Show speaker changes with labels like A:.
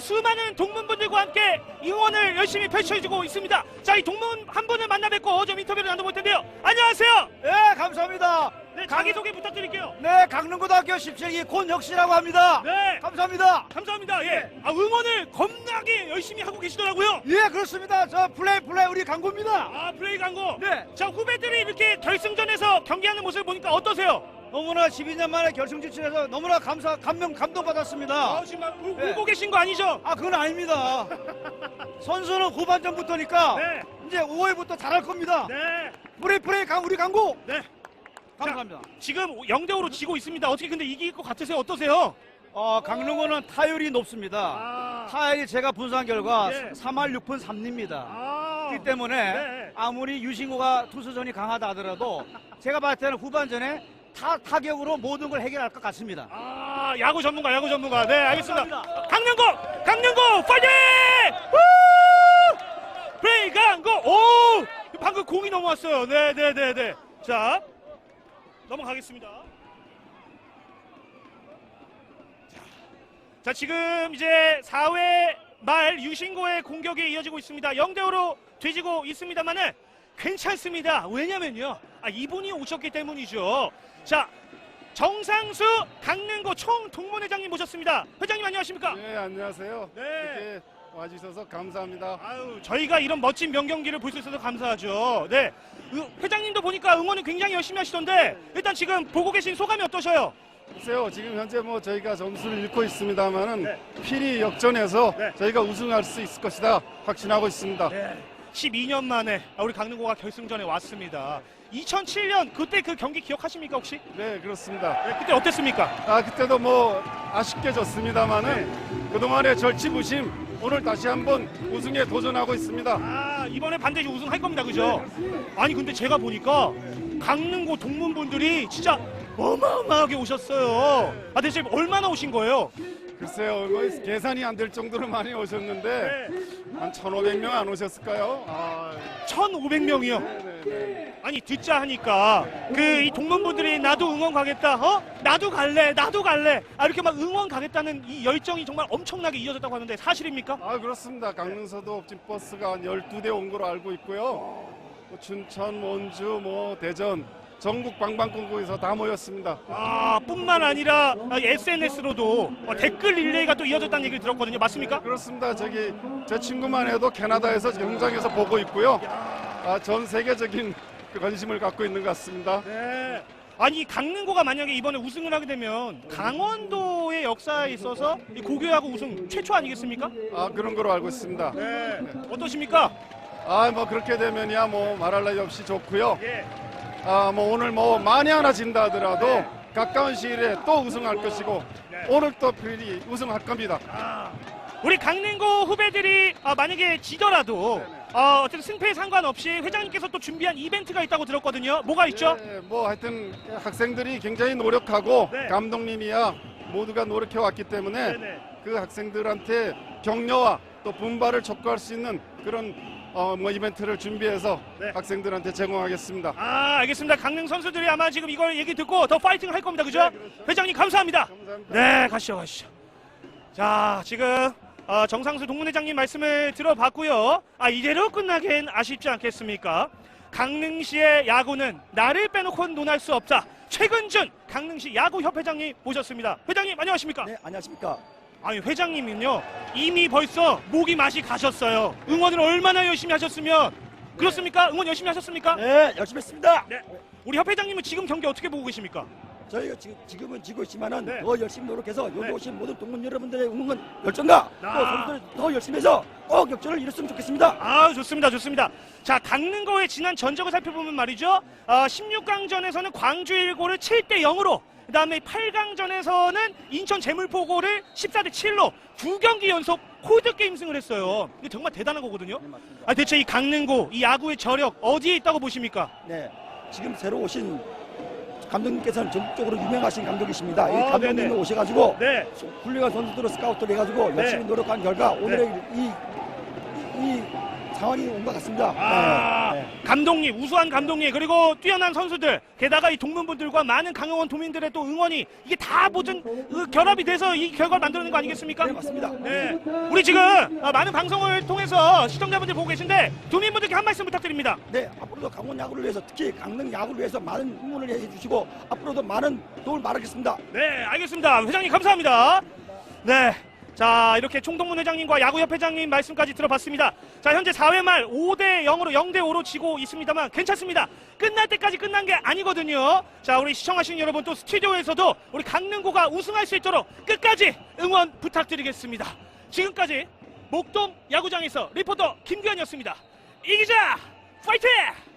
A: 수많은 동문분들과 함께 응원을 열심히 펼쳐주고 있습니다. 자, 이 동문 한 분을 만나 뵙고 좀 인터뷰를 나눠볼 텐데요. 안녕하세요.
B: 네, 감사합니다.
A: 네, 자기소개 부탁드릴게요.
B: 네, 강릉고등학교 17기 권혁씨라고 합니다.
A: 네,
B: 감사합니다.
A: 감사합니다. 예, 응원을 겁나게 열심히 하고 계시더라고요.
B: 예, 그렇습니다. 저 플레이 우리 강고입니다.
A: 아, 플레이 광고.
B: 네.
A: 자, 후배들이 이렇게 결승전에서 경기하는 모습을 보니까 어떠세요?
B: 너무나 12년 만에 결승 진출해서 너무나 감동받았습니다.
A: 아, 지금 막 울고 계신 거 아니죠?
B: 아, 그건 아닙니다. 선수는 후반전부터니까
A: 네.
B: 이제 5회부터 잘할 겁니다.
A: 네.
B: 플레이 우리 강고.
A: 네.
B: 감사합니다.
A: 자, 지금 0대5로 지고 있습니다. 어떻게 근데 이길 것 같으세요? 어떠세요?
B: 강릉고는 타율이 높습니다.
A: 아,
B: 타율이 제가 분석한 결과
A: 예.
B: 3할 6푼 3리입니다.
A: 아.
B: 그렇기 때문에
A: 네.
B: 아무리 유신고가 투수전이 강하다 하더라도 제가 봤을 때는 후반전에 타격으로 모든 걸 해결할 것 같습니다.
A: 아, 야구 전문가. 네, 알겠습니다.
B: 감사합니다.
A: 강릉고 파이팅! 후! 플레이 강고. 오! 방금 공이 넘어왔어요. 네. 자, 넘어가겠습니다. 자, 지금 이제 4회 말 유신고의 공격이 이어지고 있습니다. 0대5로 뒤지고 있습니다만은 괜찮습니다. 왜냐면요, 이분이 오셨기 때문이죠. 자, 정상수 강릉고 총동문회장님 모셨습니다. 회장님 안녕하십니까?
C: 네, 안녕하세요.
A: 네.
C: 이렇게 와주셔서 감사합니다.
A: 아유, 저희가 이런 멋진 명경기를 볼 수 있어서 감사하죠. 네, 회장님도 보니까 응원을 굉장히 열심히 하시던데 일단 지금 보고 계신 소감이 어떠셔요?
C: 글쎄요, 지금 현재 뭐 저희가 점수를 잃고 있습니다만은
A: 네.
C: 필히 역전해서
A: 네.
C: 저희가 우승할 수 있을 것이다 확신하고 있습니다.
A: 네, 12년 만에 우리 강릉고가 결승전에 왔습니다. 2007년 그때 그 경기 기억하십니까 혹시?
C: 네, 그렇습니다.
A: 네, 그때 어땠습니까?
C: 그때도 뭐 아쉽게 졌습니다만은 그동안의 절치부심 오늘 다시 한번 우승에 도전하고 있습니다.
A: 이번에 반드시 우승할 겁니다, 그죠? 아니 근데 제가 보니까 강릉고 동문분들이 진짜 어마어마하게 오셨어요. 대체 얼마나 오신 거예요?
C: 글쎄요, 뭐 계산이 안 될 정도로 많이 오셨는데 한 1,500명 안 오셨을까요?
A: 1,500명이요.
C: 네.
A: 아니 듣자 하니까 이 동문분들이 나도 응원 가겠다, 나도 갈래 이렇게 막 응원 가겠다는 이 열정이 정말 엄청나게 이어졌다고 하는데 사실입니까?
C: 그렇습니다. 강릉서도 옵진 버스가 한 12대 온 걸로 알고 있고요. 뭐 춘천, 원주, 뭐 대전 전국 방방곡곡에서 다 모였습니다.
A: 뿐만 아니라 SNS로도 댓글 릴레이가 또 이어졌다는 얘기를 들었거든요. 맞습니까?
C: 그렇습니다. 저기 제 친구만 해도 캐나다에서 현장에서 보고 있고요. 전 세계적인 그 관심을 갖고 있는 것 같습니다.
A: 네. 아니 강릉고가 만약에 이번에 우승을 하게 되면 강원도의 역사에 있어서 이 고교야구 우승 최초 아니겠습니까?
C: 그런 거로 알고 있습니다.
A: 네. 어떠십니까?
C: 뭐 그렇게 되면야 뭐 말할 나위 없이 좋고요.
A: 예.
C: 뭐 오늘 뭐 많이 하나 진다 하더라도
A: 네.
C: 가까운 시일에 또 우승할 것이고
A: 네.
C: 오늘 또 필히 우승할 겁니다.
A: 우리 강릉고 후배들이 만약에 지더라도 어쨌든 승패에 상관없이 회장님께서 또 준비한 이벤트가 있다고 들었거든요. 뭐가 있죠?
C: 네, 뭐 하여튼 학생들이 굉장히 노력하고
A: 네.
C: 감독님이야 모두가 노력해 왔기 때문에
A: 네네.
C: 그 학생들한테 격려와 또 분발을 촉구할 수 있는 그런 뭐 이벤트를 준비해서
A: 네.
C: 학생들한테 제공하겠습니다.
A: 알겠습니다. 강릉 선수들이 아마 지금 이걸 얘기 듣고 더 파이팅을 할 겁니다. 그죠?
C: 네, 그렇죠.
A: 회장님 감사합니다.
C: 감사합니다.
A: 네, 가시죠. 자, 지금 정상수 동문회장님 말씀을 들어봤고요. 이대로 끝나긴 아쉽지 않겠습니까? 강릉시의 야구는 나를 빼놓고는 논할 수 없다. 최근준 강릉시 야구협회장님 모셨습니다. 회장님 안녕하십니까?
D: 네, 안녕하십니까.
A: 아니 회장님은요 이미 벌써 목이 맛이 가셨어요. 응원을 얼마나 열심히 하셨으면 그렇습니까? 응원 열심히 하셨습니까?
D: 네, 열심히 했습니다.
A: 네. 우리 협회장님은 지금 경기 어떻게 보고 계십니까?
D: 저희가 지금은 지고 있지만은
A: 네.
D: 더 열심히 노력해서 여기
A: 네.
D: 오신 모든 동문 여러분들의 응원 열정과 또 선수들 더 열심히 해서 꼭 역전을 이뤘으면 좋겠습니다.
A: 좋습니다. 자, 강릉고의 지난 전적을 살펴보면 말이죠. 16강전에서는 광주 일고를 7대 0으로 그다음에 8강전에서는 인천 재물포고를 14대 7로 2경기 연속 홀드게임 승을 했어요. 이게 정말 대단한 거거든요.
D: 네, 맞습니다.
A: 대체 이 강릉고, 이 야구의 저력 어디에 있다고 보십니까?
D: 네, 지금 새로 오신 감독님께서는 전국적으로 유명하신 감독이십니다. 이
A: 네네.
D: 감독님이 오셔가지고
A: 네.
D: 훌륭한 선수들을 스카우트를 해가지고
A: 네.
D: 열심히 노력한 결과 오늘의 이 상황이 온 것 같습니다.
A: 아,
D: 네, 네.
A: 감독님, 우수한 감독님, 그리고 뛰어난 선수들, 게다가 이 동문분들과 많은 강영원 도민들의 또 응원이 이게 다 모든 결합이 돼서 이 결과를 만들어낸 거 아니겠습니까?
D: 네, 맞습니다.
A: 네. 우리 지금 많은 방송을 통해서 시청자분들 보고 계신데 도민분들께 한 말씀 부탁드립니다.
D: 네, 앞으로도 강원 야구를 위해서 특히 강릉 야구를 위해서 많은 응원을 해주시고 앞으로도 많은 도움을 바라겠습니다.
A: 네, 알겠습니다. 회장님 감사합니다. 네. 자, 이렇게 총동문 회장님과 야구협회장님 말씀까지 들어봤습니다. 자, 현재 4회 말 5대0으로 0대5로 지고 있습니다만 괜찮습니다. 끝날 때까지 끝난 게 아니거든요. 자, 우리 시청하시는 여러분 또 스튜디오에서도 우리 강릉고가 우승할 수 있도록 끝까지 응원 부탁드리겠습니다. 지금까지 목동 야구장에서 리포터 김규현이었습니다. 이기자 파이팅!